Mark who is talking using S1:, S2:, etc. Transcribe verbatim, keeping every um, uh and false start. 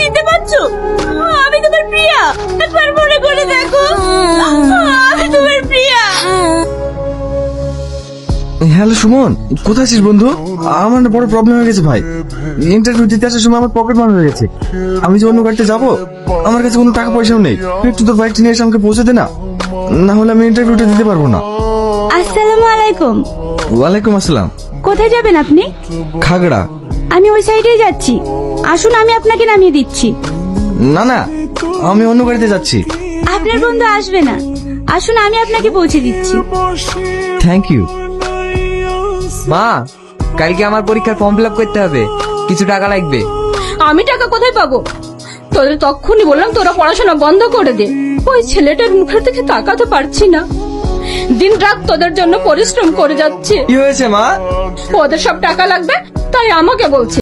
S1: চিনতে পারছো? আমি তোমার প্রিয়া, একবার মনে করে দেখো, আমি তোমার প্রিয়া।
S2: হ্যালো সুমন, কোথায় আছিস বন্ধু? আমার না বড় প্রবলেম হয়ে গেছে ভাই। ইন্টারভিউ দিতে আসার সময় আমার পকেট মার হয়ে গেছে। আমি যে অন্য গাড়িতে যাবো, আমার কাছে কোনো টাকা পয়সাও নেই। তুই একটু তোর বাইকটা নিয়ে এসে আমাকে পৌঁছে দে না, না হলে আমি ইন্টারভিউটা দিতে পারবো না।
S1: আসসালামু আলাইকুম।
S2: ওয়ালাইকুম আসসালাম।
S1: কোথায় যাবেন আপনি?
S2: খাগড়া।
S1: আমি ওই সাইডেই যাচ্ছি, আসুন আমি আপনাকে নামিয়ে দিচ্ছি।
S2: না না, আমি অন্য গাড়িতে যাচ্ছি।
S1: আপনার বন্ধু আসবে না, আসুন আমি আপনাকে পৌঁছে দিচ্ছি।
S2: Thank you.
S3: মা, কালকে আমার পরীক্ষার ফর্ম ফিল আপ করতে হবে, কিছু টাকা লাগবে।
S1: আমি টাকা কোথায় পাবো? তোদের তখনই বললাম তোরা পড়াশোনা বন্ধ করে দে। ওই ছেলেটার মুখের দিকে তাকাতে পারছি না, দিন রাত তোদের জন্য পরিশ্রম করে যাচ্ছে।
S2: কি হয়েছে মা?
S1: ওদের সব টাকা লাগবে, তাই আমাকে বলছে।